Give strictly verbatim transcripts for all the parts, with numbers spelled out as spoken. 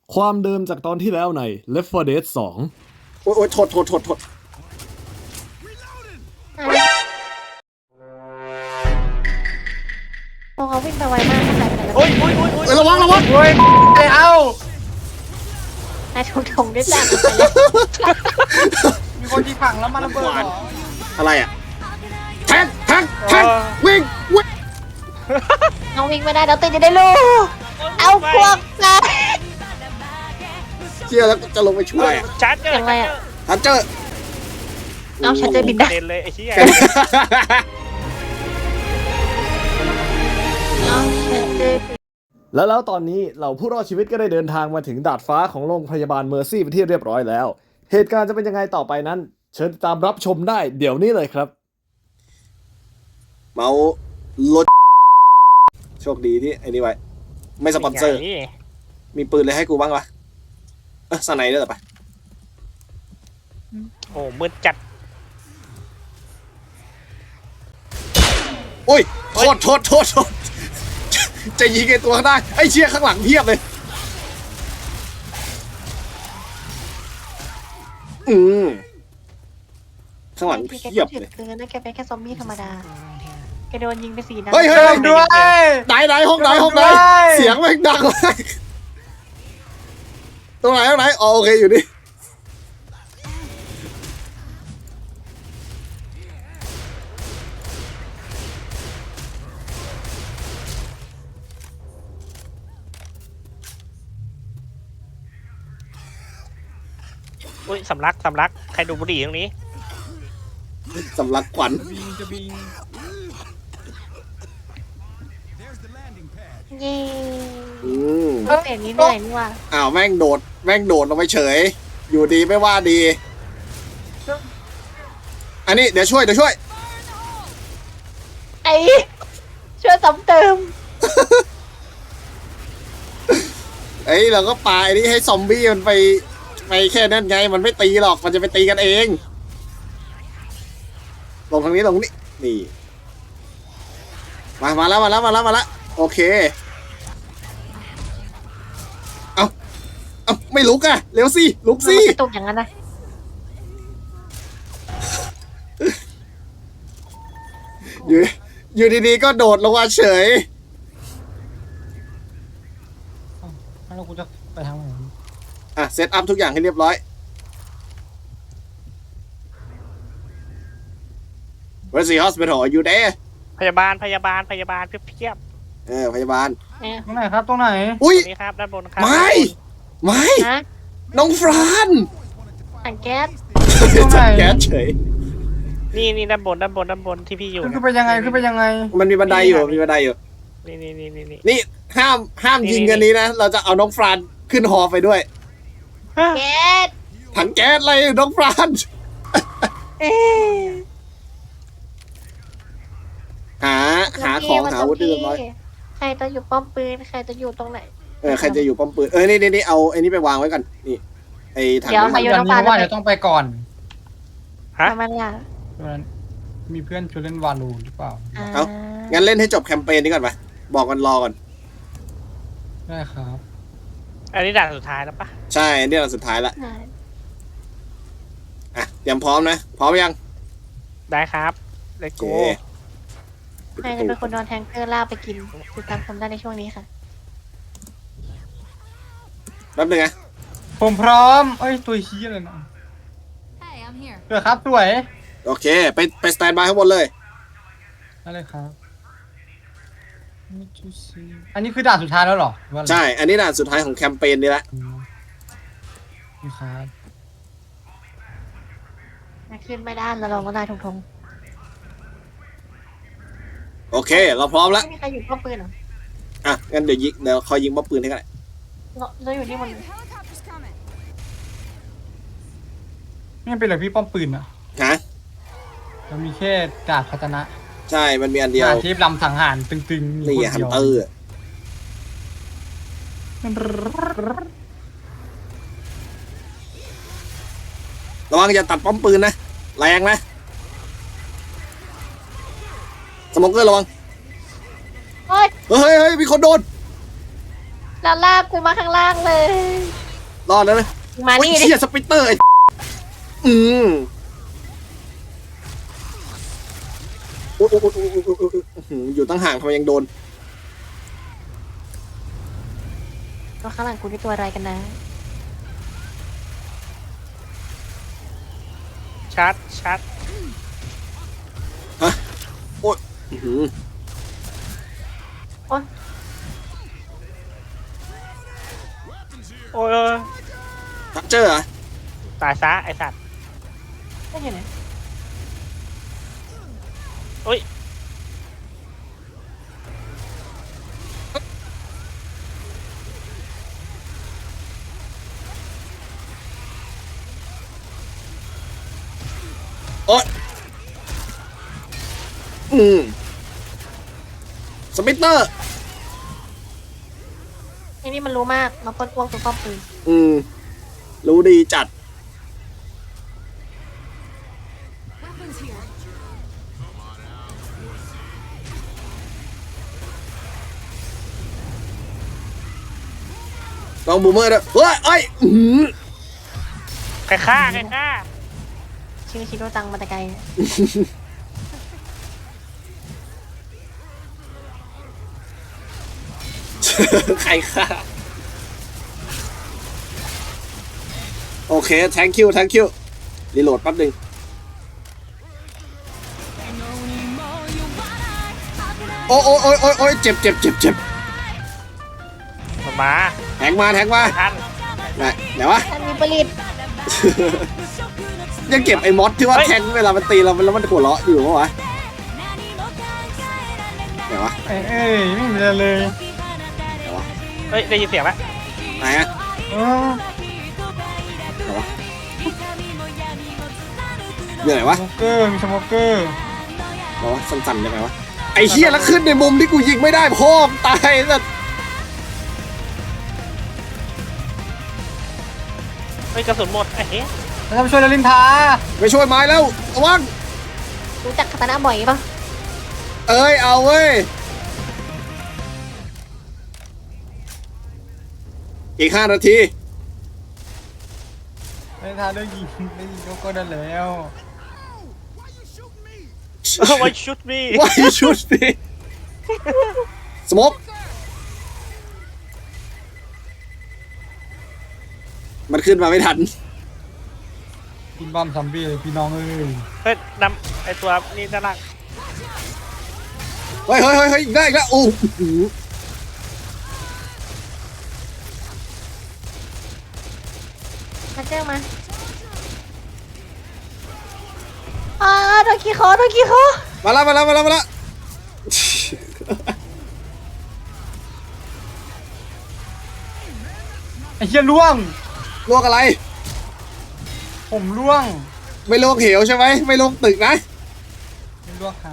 ความเดิมจากตอนที่แล้วใน Left โฟร์ Dead สองโอ้ยโอ้ยโทษโทษโทษโทษโอ้เขาวิ่งไปไวมากขนาดนั้นโอ้ยโอ้ยโอ้ยโอ้ยเอ้ยระวังระวังโอ้ยเอ้านายทงทงได้จากไปแล้วมีคนที่ขังแล้วมันระเบิดเหรออะไรอ่ะแทงแทงแทงวิ่งวิ่งน้องวิ่งไม่ได้แล้วตื่นจะได้ลูกเอาพวกนะเชี่ยแล้วจะลงไปช่วยชาร์จเจอร์ยังไงอ่ะทันเจอร์เอาฉันจะบินได้เด่นเลยไอ้เหี้ยเอาฉันจะแล้วแล้วตอนนี้เหล่าผู้รอดชีวิตก็ได้เดินทางมาถึงดาดฟ้าของโรงพยาบาลเมอร์ซี่เป็นที่เรียบร้อยแล้ว เหตุการณ์จะเป็นยังไงต่อไปนั้น เชิญติดตามรับชมได้เดี๋ยวนี้เลยครับเมาลดโชคดีที่ไอ้นี่ไว้ไม่สปอนเซอร์ มีปืนเลยให้กูบ้างวะเออสไนเดอร์ไปโอ้มืดจัดโอ้ยโทษโทษโทษโทษจะยิงไอ้ตัวข้างหน้าไอ้เชี่ยข้างหลังเพียบเลยอืมข้างหลังพี่แกเพียบถือเลยเกินนะแกเป็นแค่ซอมบี้ธรรมดาแกโดนยิงไปสี่นัดเฮ้ยเฮ้ยด้วยไหนไหนห้องไหนห้องไหนด้วยเสียงแม่งดังมากตรงไหนตรงไหนอ๋อโอเคอยู่นี่อุ้ยสำลักสำลักใครดูบุหรี่ตรงนี้สำลักขวัญเย้อืมก็เปลี่ยนนี้เหนื่อยนี่ว่ะอ้าวแม่งโดดแม่งโดดลงไปเฉย อยู่ดีไม่ว่าดี อันนี้เดี๋ยวช่วยเดี๋ยวช่วยไอ้ช่วยซ้ำเติมเอ้ยเราก็ปาไอ้นี่ให้ซอมบี้มันไปไปแค่นั้นไงมันไม่ตีหรอกมันจะไปตีกันเองลงทางนี้ลงนี้นี่มามาแล้วมาแล้วมาแล้วมาแล้วโอเคเอาเอาไม่ลุกอะเร็วสิลุกสิมันกระตุกอย่างนั้นนะอยู่อยู่ดีๆก็โดดลงมาเฉยแล้วกูจะไปทางไหนอ่ะเซตอัพทุกอย่างให้เรียบร้อย Where's the hospital Are you there พยาบาลพยาบาลพยาบาลเพียบเออพยาบาลเนี่ยตรงไหนครับตรงไหนอุ้ยตรงนี้ครับด้านบนครับไม่ไม่ฮะน้องฟรานถังแก๊สจับแก๊สเฉยนี่นี่ด้านบนด้านบนด้านบนที่พี่อยู่ขึ้นไปยังไงขึ้นไปยังไงมันมีบันไดอยู่มีบันไดอยู่นี่นี่นี่นี่นี่นี่ห้ามห้ามยิงกันนี้นะ เราจะเอาน้องฟรานขึ้นฮอไปด้วยแก๊สถังแก๊สอะไรน้องฟรานเอ๊ะหาหาของหาอาวุธเรียบร้อยใครจะอยู่ป้อมปืนใครจะอยู่ตรงไหนเออใครจะอยู่ป้อมปืนเออนี่นี่นี่เอาไอ้นี่ไปวางไว้ก่อนนี่ไอ้ถังเดี๋ยวนี้ใครอยู่เดี๋ยวน้องนี้ปลาว่าจะเดี๋ยวต้องไปก่อนฮะประมาณละเพราะฉะนั้นมีเพื่อนชวนเล่นวาลูหรือเปล่าอ่างั้นเล่นให้จบแคมเปญนี้ก่อนปะบอกกันรอก่อนได้ครับอันนี้ด่านสุดท้ายแล้วปะใช่อันนี่เราสุดท้ายละอ่าอ่ะเตรียมพร้อมนะพร้อมยังได้ครับเลโอโก้เคใครจะเป็นคนโดนแทงเกอร์ล่ากไปกินติดตามชมได้ในช่วงนี้ค่ะแป๊บนึงนะผมพร้อมเอ้ยตัวชี้อะไรนะ Hey, I'm here. เดี๋ยวครับสวยโอเคไปไปสแตนบายข้างบนเลยได้เลยครับ อันนี้คือด่านสุดท้ายแล้วเหรอว่าอะไรใช่ อันนี้ด่านสุดท้ายของแคมเปญนี้ละอืมนี่ครับมาขึ้นไม่ได้แล้วเราก็ได้ทงทงโอเค เราพร้อมแล้วไม่มีใครอยู่ป้อมปืนเหรออ่ะงั้นเดี๋ยวยิงเดี๋ยวคอยยิงบ๊อบปืนให้กันเราเราอยู่ที่มัน Helicopter's coming. นี่เป็นอะไรพี่ป้อมปืนอะฮะเรามีแค่ดาบพัฒนะใช่มันมีอันเดียวดาบที่ลำสังหารตึงๆมีนี่คนฮันเดียวเตอร์ระวังอย่าตัดป้อมปืนนะแรงนะสโมเกอร์ระวังเฮ้ยเฮ้ยเฮ้ยมีคนโดนแล้วลากกูมาข้างล่างเลยรอดแล้วนะมาโอ้ยนี่ดิเชี่ยสปิตเตอร์ไอ้อืมโอ้ยโอ้ยโอ้ยโอ้ยโอ้ยโอ้ยโอ้ยอื้อหืออยู่ตั้งห่างทำไมยังโดนตัวข้างหลังกูนี่ตัวอะไรกันนะชัดชัดโอ้ยอื้อหือโอ๊ยโอ้ยทักเจอร์เหรอตายซะไอสัตว์ไม่เห็นนะโอ้ยโอ๊ยอืมสปิตเตอร์ไอ้นี่มันรู้มากมาปล้นอ้วกตัวป้อมปืนอืมรู้ดีจัด Weapons here. ลองบูมเมอร์ด้วยเฮ้ยเอ้ยอื้อหือใครฆ่าใครฆ่าชื่อชิโร่จังมาแต่ไกลใครฆ่าโอเค thank you thank you รีโหลดแป๊บหนึงโอ้โอ้โอ้โอ้โอ้ยเจ็บเจ็บเจ็บเจ็บมาแทงมาแทงมาท่านไหนไหนวะท่านมีผลิตยังเก็บไอ้มอสที่ว่าแทงเวลามันตีเราแล้วมันหัวเราะอยู่ปะวะไหนวะเอ้ยเอ้ยไม่มีอะไรเลยไหนวะเฮ้ยได้ยินเสียงปะไหนอะเออไหนวะอยู่ไหนวะสโมเกอร์มีสโมเกอร์ไหนวะสั่นๆยังไงวะไอ้เหี้ยแล้วขึ้นในมุมที่กูยิงไม่ได้พ่อมงตายสัสเฮ้ยกระสุนหมดไอ้เฮ้ยแล้วจะไปช่วยลลินทาไปช่วยไม้แล้วระวังรู้จักคาตานะบ่อยปะเอ้ยเอาเว้ยอีกห้านาทีลลินทาได้ยิงได้ยิงก็ก็ได้แล้วไว้ชุดมีว่าชุดสิสโมกมันขึ้นมาไม่ทันกินบอมซอมบี้เลยพี่น้องเอ้ยเฮ้ยนำไอตัวนี่ด้านล่างเฮ้ยเฮ้ยเฮ้ยเฮ้ยอีกได้อีกแล้วโอ้โหมาเจอมาอ่าโดนขี้คอโดนขี้คอมาแล้วมาแล้วมาแล้วมาแล้วไอ้เหี้ยล่วงลวกอะไรผมล่วงไม่ลวกเหวใช่ไหมไม่ลวกตึกนะไม่ล่วงหา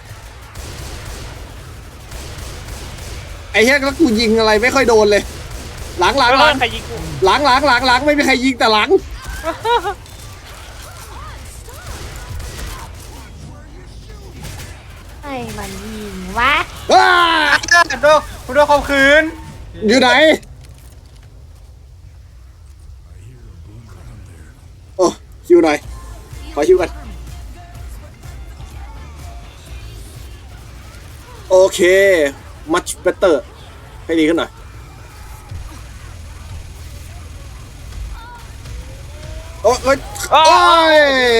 ไอ้เหี้ยแล้วกูยิงอะไรไม่ค่อยโดนเลย หลังหลังหลังใครยิงกูหลังหลังหลังหลังไม่มีใครยิงแต่หลังไอ้มันยิงวะอ้าโดนโดนข่มขืนอยู่ไหนโอ้ฮิวหน่อยขอฮิวกันโอเค much better ให้ดีขึ้นหน่อยโอ้ยโอ้ยโอ้ย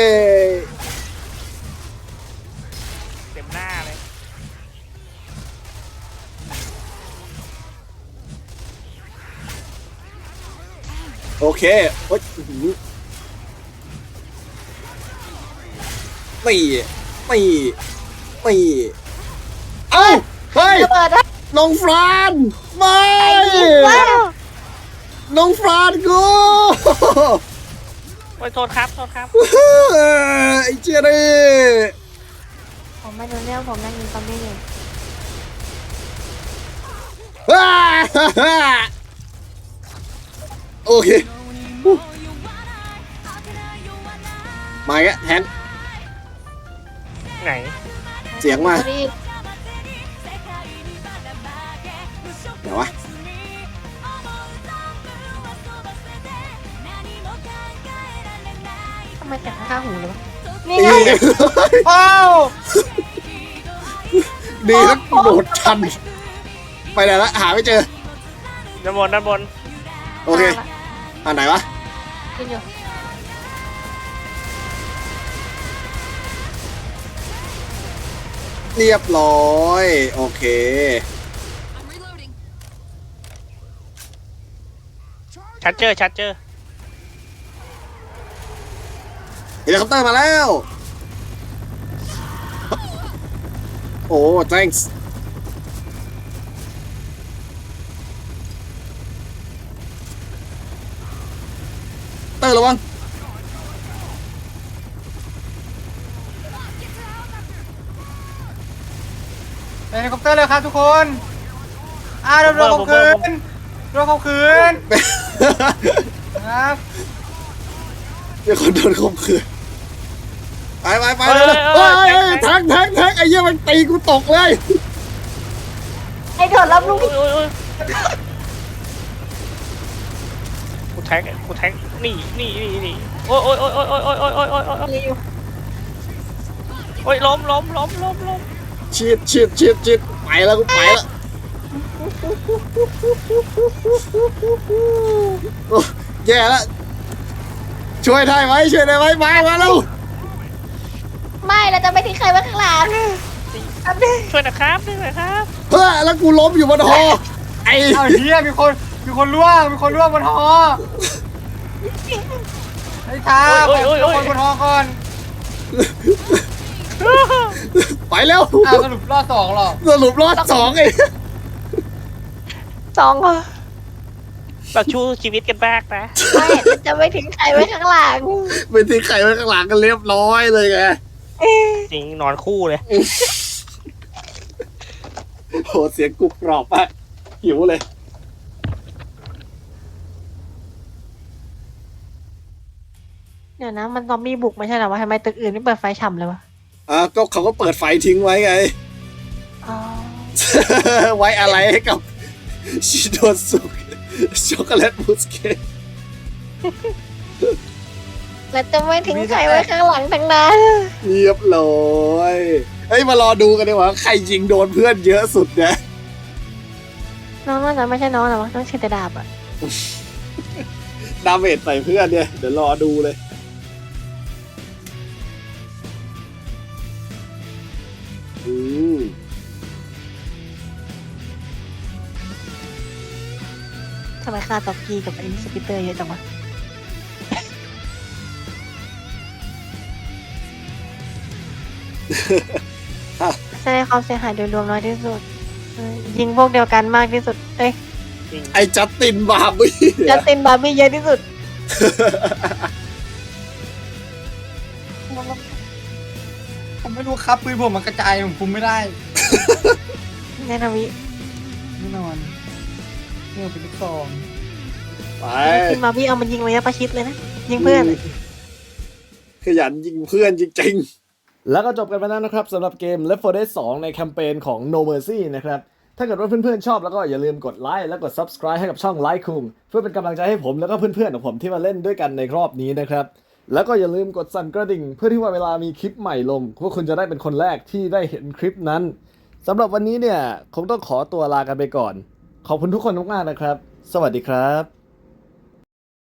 เต็มหน้าเลยโอเคโอ้ยอื้อหือตีตีตีเอ้าเฮ้ยระเบิดนะน้องฟรานไม่ว้าวน้องฟรานกูโอ้ยโทษครับโทษครับไอ้เจี๊ยนี่ผมไม่รู้เรื่องผมนั่งยิงซอมบี้อยู่โอเคมาอีกแล้วแทนไหนเสียงมารีบเดี๋ยววะมาจากข้างๆหูเลยวะนี่ไงนี่อ้าวดีแล้วกูโดดทัน ไปไหนละหาไม่เจอด้านบนด้านบนโอเคมาละอันไหนวะกินอยู่เรียบร้อย โอเค I'm reloading. ชัดเจอชัดเจอเฮลิคอปเตอร์มาแล้ว โอ้ thanks เตอร์ระวังไปเฮลิคอปเตอร์เลยครับทุกคนอ่าเรือเรือเขาคืนเรือเขาคืนครับเดี๋ยวคนโดนข่มขืนไปไปไปเลยเฮ้ยแท็กแท็กแท็กไอ้เหี้ยมันตีกูตกเลยไอ้โดดรับลูกโอ้ยโอ้ยโอ้ยกูแทงกูแทงนี่นี่นี่นี่โอ้ยโอ้ยโอ้ยโอ้ยโอ้ยโอ้ยโอ้ยโอ้ยโอ้ยโอ้ยนี่อยู่โอ้ยล้มล้มล้มล้มล้มชิดชิดชิดชิดไปแล้วกูไปแล้วโอ้แย่แล้วช่วยได้ไหมช่วยได้ไหมมามาแล้วไม่เราจะไม่ทิ้งใครไว้ข้างหลังอันนี้ช่วยนะครับช่วยหน่อยครับเฮ้ยแล้วกูล้มอยู่บนหอไอ้เอาเฮียมีคนมีคนล่วงมีคนล่วงบนหอไอ้ท้าไปเอาคนบนหอก่อนไปแล้วอ้าวสรุปรอบสองหรอสรุปรอดสองไอ้สองเหรอแบบชูชีวิตกันบ้างนะไม่เราจะไม่ทิ้งใครไว้ข้างหลังไปทิ้งไข่ไว้ข้างหลังกันเรียบร้อยเลยไงจริงนอนคู่เลยโหเสียงกรุบกรอบมากหิวเลยเดี๋ยวนะมันซอมบี้บุกไม่ใช่เหรอวะทำไมตึกอื่นไม่เปิดไฟฉ่ำเลยวะอ่ะก็เขาก็เปิดไฟทิ้งไว้ไงอ๋อไว้อะไรให้กับชิโดสุช็อกโกแลตมูสเค้กเราจะไม่ทิ้งใครไว้ข้างหลังทั้งนั้นเรียบร้อยเฮ้ยมารอดูกันดีกว่าใครยิงโดนเพื่อนเยอะสุดนะน้องน่าจะไม่ใช่น้องหรอวะต้องเชตดาบอะดาเมจใส่เพื่อนเนี่ยเดี๋ยวรอดูเลยอืมทำไมค่าต็อกกี้กับไอ้สปิเตอร์เยอะจังวะแสดงความเสียหายโดยรวมน้อยที่สุดเออยิงพวกเดียวกันมากที่สุดเอ้ยจริงไอ้จัสตินบาร์บี้จัสตินบาร์บี้เยอะที่สุดผมไม่รู้ครับปืนผมมันกระจายผมคุมไม่ได้แน่นอนวิแน่นอนนี่เป็นลูกซองไปจัสตินบาร์บี้เอามันยิงระยะประชิดเลยนะยิงเพื่อนขยันยิงเพื่อนจริงแล้วก็จบกันไปแล้วนะครับสำหรับเกม Left โฟร์ Dead สองในแคมเปญของ No Mercy นะครับ ถ้าเกิดว่าเพื่อนๆชอบแล้วก็อย่าลืมกดไลค์และกด Subscribe ให้กับช่องไลค์คุงเพื่อเป็นกำลังใจให้ผมแล้วก็เพื่อนๆของผมที่มาเล่นด้วยกันในรอบนี้นะครับ แล้วก็อย่าลืมกดสั่นกระดิ่งเพื่อที่ว่าเวลามีคลิปใหม่ลงพวกคุณจะได้เป็นคนแรกที่ได้เห็นคลิปนั้นสำหรับวันนี้เนี่ยคงต้องขอตัวลากันไปก่อน ขอบคุณทุกคนมากๆนะครับ สวัสดีครับ